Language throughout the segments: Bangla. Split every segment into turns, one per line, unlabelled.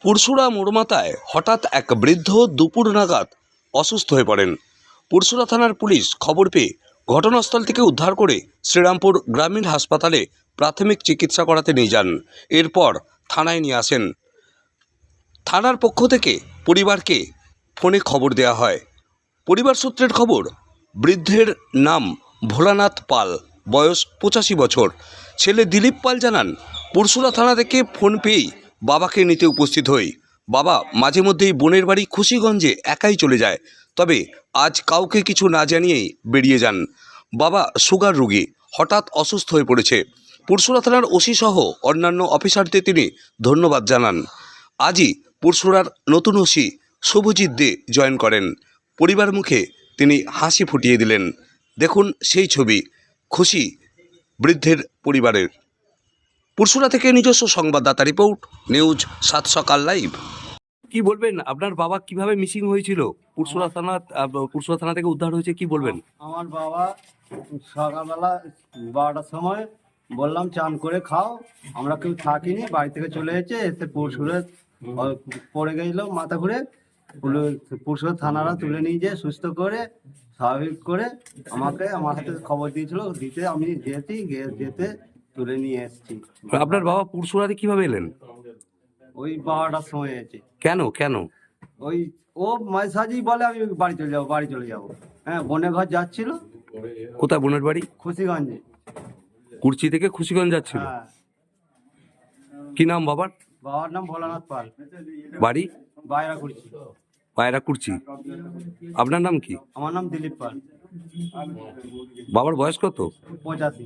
পুরসুরা মোড়মাথায় হঠাৎ এক বৃদ্ধ দুপুর নাগাদ অসুস্থ হয়ে পড়েন। পুরসুরা থানার পুলিশ খবর পেয়ে ঘটনাস্থল থেকে উদ্ধার করে শ্রীরামপুর গ্রামীণ হাসপাতালে প্রাথমিক চিকিৎসা করাতে নিয়ে যান। এরপর থানায় নিয়ে আসেন। থানার পক্ষ থেকে পরিবারকে ফোনে খবর দেওয়া হয়। পরিবার সূত্রের খবর, বৃদ্ধের নাম ভোলানাথ পাল, বয়স 85 বছর। ছেলে দিলীপ পাল জানান, পুরসুরা থানা থেকে ফোন পেয়েই বাবাকে নিতে উপস্থিত হই। বাবা মাঝে মধ্যেই বোনের বাড়ি খুশিগঞ্জে একাই চলে যায়, তবে আজ কাউকে কিছু না জানিয়েই বেরিয়ে যান। বাবা সুগার রোগী, হঠাৎ অসুস্থ হয়ে পড়েছে। পুরসুরা থানার ওসি সহ অন্যান্য অফিসারদের তিনি ধন্যবাদ জানান। আজই পুরসুরার নতুন ওসি শুভজিৎ দে জয়েন করেন। পরিবার মুখে তিনি হাসি ফুটিয়ে দিলেন। দেখুন সেই ছবি, খুশি বৃদ্ধের পরিবারের। পুরসুরা থেকে নিজস্ব সংবাদদাতা রিপোর্ট, নিউজ 7 সকাল লাইভ। কি বলবেন, আপনার বাবা কিভাবে মিসিং হয়েছিল? পুরসুরা থানা থেকে উদ্ধার হয়েছে, কি বলবেন?
আমার বাবা সকালবেলা 12টার সময় বললাম চান করে খাও, আমরা কেউ থাকিনি, বাড়ি থেকে চলে এসে পুরসুরে পড়ে গেছিল মাথা ঘুরে। পুরসুরে থানারা তুলে নিয়ে যেয়ে সুস্থ করে স্বাভাবিক করে আমার হাতে খবর দিয়েছিল, দিতে আমি যেতে তুলে নিয়ে এসেছি।
আপনার বাবা পুরসুরাতে কিভাবে এলেন?
ওই 12টার সময় এসেছি।
কেন?
ওই ও মাঝে বলে আমি বাড়ি চলে যাবো। হ্যাঁ, বোনের ঘর যাচ্ছিল।
কোথায় বোনের বাড়ি?
খুশিগঞ্জে।
কুর্চি থেকে খুশিগঞ্জ যাচ্ছিল।
হ্যাঁ।
কি নাম বাবার?
বাবার নাম ভোলানাথ পাল,
বাড়ি
বাইরা
কুর্চি। আপনার নাম কি?
আমার নাম দিলীপ পাল।
বাবার বয়স কত?
85।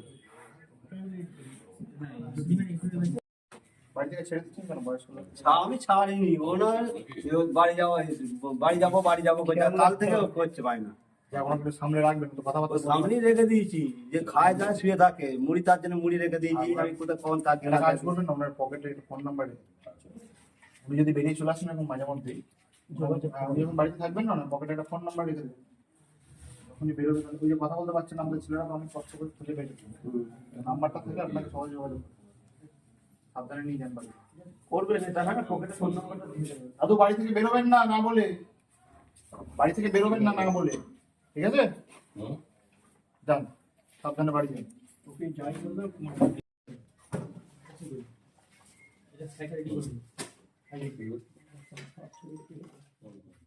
আমি ছাড়িনি, ওনার বাড়ি যাবো কাল থেকে করছে পাই না।
সামনে রাখবেন তো, কথাবার্তা
সামনেই রেখে দিয়েছি, যে খায় দায় শুয়ে থাকে, মুড়ি তার জন্য মুড়ি রেখে দিয়েছি। আমি কোথায় কখন তার জন্য
কাজ করবেন, আপনার পকেটে একটা ফোন নাম্বার উনি যদি বেরিয়ে চলে আসেন এখন মাঝে মধ্যেই, উনি যখন বাড়িতে থাকবেন না, পকেটে একটা ফোন নাম্বার রেখে দেবেন। যখনই বেরোবেন, ওই যে কথা বলতে পারছেন আমাদের ছেলেরা তো অনেক কষ্ট করে খুঁজে পেয়েছে, নাম্বারটা থেকে আপনাকে সহজ যোগাযোগ সাবধানে নিয়ে যান বাড়ি করবেন। এটা হ্যাঁ, পকেটে ফোন নাম্বারটা দিয়ে দেবেন। দাদু বাড়ি থেকে বেরোবেন না বলে, ঠিক আছে? যান সাবধানে বাড়ি যান। ওকে যাই বলবে